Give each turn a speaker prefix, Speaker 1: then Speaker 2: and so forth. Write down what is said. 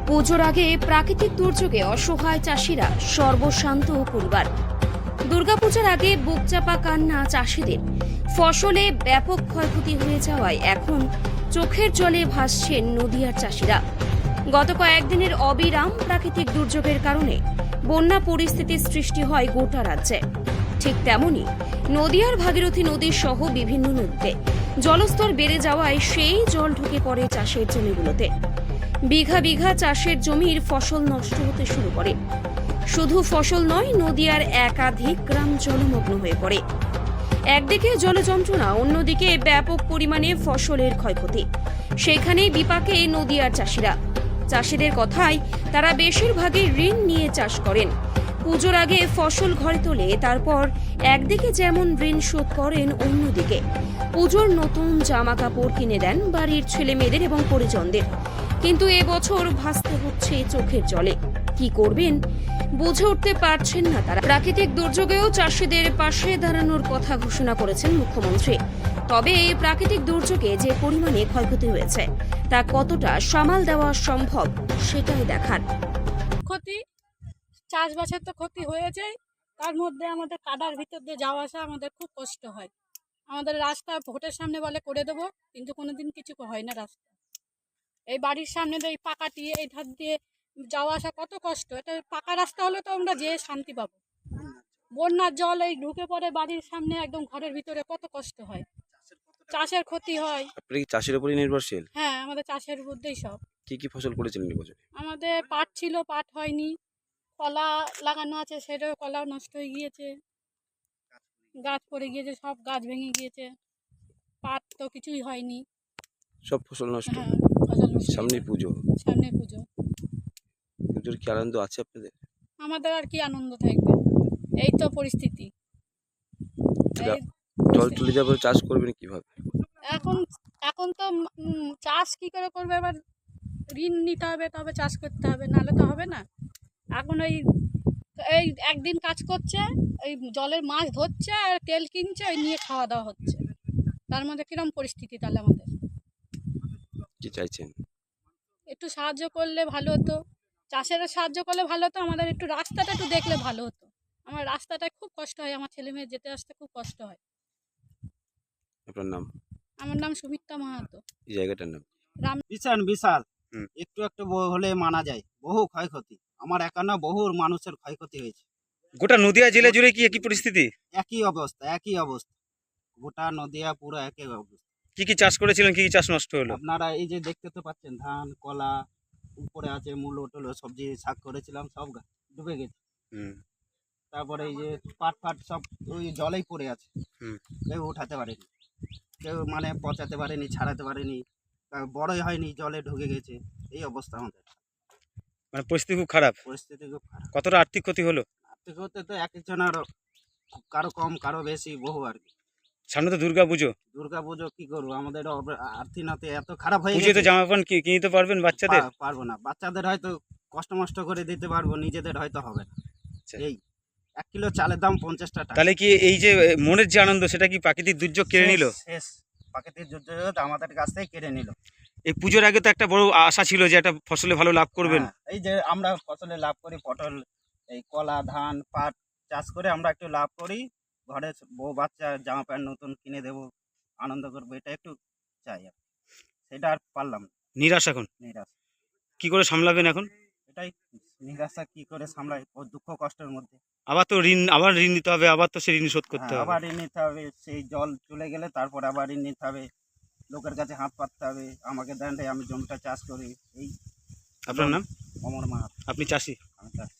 Speaker 1: পুজোর আগে প্রাকৃতিক দুর্যোগে অসহায় চাষিরা সর্বশান্ত পরিবার। দুর্গাপূজার আগে বুকচাপা কান্না চাষিদের। ফসলে ব্যাপক ক্ষয়ক্ষতি হয়ে যাওয়ায় এখন চোখের জলে ভাসছেন নদিয়ার চাষিরা। গত কয়েকদিনের অবিরাম প্রাকৃতিক দুর্যোগের কারণে বন্যা পরিস্থিতির সৃষ্টি হয় গোটা রাজ্যে। ঠিক তেমনি নদিয়ার ভাগীরথী নদী সহ বিভিন্ন নদীতে জলস্তর বেড়ে যাওয়ায় সেই জল ঢুকে পড়ে চাষের জমিগুলোতে। বিঘা বিঘা চাষের জমির ফসল নষ্ট হতে শুরু করে। শুধু ফসল নয়, নদিয়ার একাধিক গ্রাম জলমগ্ন হয়ে পড়ে। একদিকে জলযন্ত্রণা, অন্যদিকে ব্যাপক পরিমাণে ফসলের ক্ষয়ক্ষতি। সেখানেই বিপাকে নদিয়ার চাষিরা। চাষিদের কথায় তারা বেশিরভাগই ঋণ নিয়ে চাষ করেন। পুজোর আগে ফসল ঘরে তোলে, তারপর একদিকে যেমন ঋণ শোধ করেন, অন্যদিকে পুজোর নতুন জামা কাপড় কিনে দেন বাড়ির ছেলে মেয়েদের এবং পরিজনদের। কিন্তু এবছর ভাসতে হচ্ছে চোখের জলে। কি করবেন বুঝে উঠতে পারছেন না তারা। প্রাকৃতিক দুর্যোগেও চাষিদের পাশে দাঁড়ানোর কথা ঘোষণা করেছেন মুখ্যমন্ত্রী। তবে এই প্রাকৃতিক দুর্যোগে যে পরিমাণে ক্ষয়ক্ষতি হয়েছে তা কতটা সামাল দেওয়া সম্ভব সেটাই দেখার।
Speaker 2: ক্ষতি চাষবাসের তো ক্ষতি হয়েছে, তার মধ্যে আমাদের কাদার ভিতর দিয়ে যাওয়া আসা আমাদের খুব কষ্ট হয়। আমাদের রাস্তা ভোটের সামনে বলে করে দেবো, কিন্তু কোনোদিন কিছু হয় না। রাস্তা এই বাড়ির সামনে দিয়ে এই পাকাটি এই ধার দিয়ে যাওয়া আসা কত কষ্ট। এটা পাকা রাস্তা হলে তো আমরা যেয়ে শান্তি পাবো। বন্যার জল এই ঢুকে পড়ে বাড়ির সামনে, একদম ঘরের ভিতরে, কত কষ্ট হয়। চাষের ক্ষতি হয়।
Speaker 3: আপনি কি চাষের উপরই নির্ভরশীল?
Speaker 2: হ্যাঁ, আমাদের চাষের মধ্যেই সব।
Speaker 3: কি কি ফসল করেছিলেন এই বছর?
Speaker 2: আমাদের পাট ছিল, পাট হয়নি। কলা লাগানো আছে, সেটাও কলাও নষ্ট হয়ে গিয়েছে, গাছ পড়ে গিয়েছে, সব গাছ ভেঙে গিয়েছে। পাট তো কিছুই হয়নি।
Speaker 3: সব ফসল নষ্ট।
Speaker 2: হ্যাঁ, ফসল নষ্ট হয়ে
Speaker 3: সামনে
Speaker 2: গেছে।
Speaker 3: পুজো,
Speaker 2: সামনে পুজো,
Speaker 3: পুজোর কি আনন্দ আছে আপনাদের?
Speaker 2: আমাদের আর কি আনন্দ থাকবে, এই তো পরিস্থিতি। এই
Speaker 3: জল চলে যাবে, চাষ করবেন কিভাবে?
Speaker 2: এখন এখন তো চাষ কি করে করবে, এবার ঋণ নিতে হবে, তবে চাষ করতে হবে, নাহলে তো হবে না। এখন এই এই একদিন কাজ করছে, এই জলের মাছ ধরছে আর তেল কিনছে, ওই নিয়ে খাওয়া দাওয়া হচ্ছে। তার মধ্যে কিরম পরিস্থিতি তাহলে আমাদের?
Speaker 3: কি চাইছেন?
Speaker 2: একটু সাহায্য করলে ভালো হতো, চাষেরও সাহায্য করলে ভালো হতো, আমাদের একটু রাস্তাটা একটু দেখলে ভালো হতো। আমার রাস্তাটায় খুব কষ্ট হয়, আমার ছেলে মেয়ে যেতে আসতে খুব কষ্ট হয়।
Speaker 3: আপনার নাম?
Speaker 2: আমার নাম সুমিত্রা মাহাতো।
Speaker 3: এই জায়গাটার নাম?
Speaker 4: বিশাল বিশাল
Speaker 3: হুম।
Speaker 4: একটু একটু হলে মানা যায়, বহু ক্ষয়ক্ষতি। আমার একা না, বহু মানুষের ক্ষয়ক্ষতি হয়েছে।
Speaker 3: গোটা নদিয়া জেলা জুড়ে কি একই পরিস্থিতি?
Speaker 4: একই অবস্থা, একই অবস্থা। গোটা নদিয়া পুরো একই অবস্থা।
Speaker 3: কি কি চাষ করেছিলেন, কি কি চাষ নষ্ট হলো?
Speaker 4: আপনারা এই যে দেখতে তো পাচ্ছেন, ধান, কলা, উপরে আছে মূলো টুলো, সবজি শাক করেছিলাম, সব ডুবে গেছে।
Speaker 3: হুম।
Speaker 4: তারপরে এই যে পাট ফাট সব ওই জলেই পড়ে আছে।
Speaker 3: হুম।
Speaker 4: কেউ উঠাতে পারেনি, কেউ মানে পচাতে পারেনি, ছাড়াতে পারেনি, বড়ই হয়নি, জলে ঢুকে গেছে। এই অবস্থা আমাদের,
Speaker 3: মানে পরিস্থিতি খুব খারাপ।
Speaker 4: পরিস্থিতি খুব খারাপ।
Speaker 3: কতটা আর্থিক ক্ষতি হলো?
Speaker 4: আর্থিক হতে তো এক একজনের কারো কম, কারো বেশি, বহু আর কি।
Speaker 3: সামনে তো দুর্গা পুজো।
Speaker 4: দুর্গা পুজো কি করবো, আমাদের আর্থিক নাতে এত খারাপ হয়ে
Speaker 3: পুজোতে
Speaker 4: গেছে।
Speaker 3: জামা প্যান্ট কিনতে পারবেন বাচ্চাদের?
Speaker 4: পারবো না, বাচ্চাদের হয়তো কষ্ট মষ্ট করে দিতে পারবো, নিজেদের হয়তো হবে না।
Speaker 3: আচ্ছা।
Speaker 4: এই 1 কিলো চালের দাম 50 টাকা।
Speaker 3: তাহলে কি এই যে মনের যে আনন্দ, সেটা কি প্রাকৃতিক দুর্যোগ কেড়ে নিল?
Speaker 4: শেষ, প্রাকৃতিক দুর্যোগ আমাদের কাছ থেকে কেড়ে নিল।
Speaker 3: এই পুজোর আগে তো একটা বড় আশা ছিল যে একটা ফসলে ভালো লাভ করবেন।
Speaker 4: হ্যাঁ, এই যে আমরা ফসলে লাভ করি, পটল, এই কলা, ধান, পাট চাষ করে আমরা একটু লাভ করি, ঘরে বউ বাচ্চা জামা প্যান্ট নতুন কিনে দেবো, আনন্দ করবো, এটা একটু চাই। সেটা আর পারলাম না।
Speaker 3: নিরাশ এখন?
Speaker 4: নিরাশ।
Speaker 3: কি করে সামলাবেন এখন?
Speaker 4: এটাই নিরাশা, কি করে সামলাই, ও দুঃখ কষ্টের মধ্যে।
Speaker 3: আবার ঋণ নিতে হবে, আবার তো সেই ঋণ শোধ করতে
Speaker 4: হ্যাঁ,
Speaker 3: হবে।
Speaker 4: আবার ঋণ নিতে হবে, সেই জল চলে গেলে তারপর আবার ঋণ নিতে হবে, লোকের কাছে হাত পাততে হবে, আমাকে দেন রে, আমি জমিটা চাষ করি। এই
Speaker 3: আপনার নাম?
Speaker 4: অমর মাহাতো।
Speaker 3: আপনি চাষি?
Speaker 4: আমি চাষ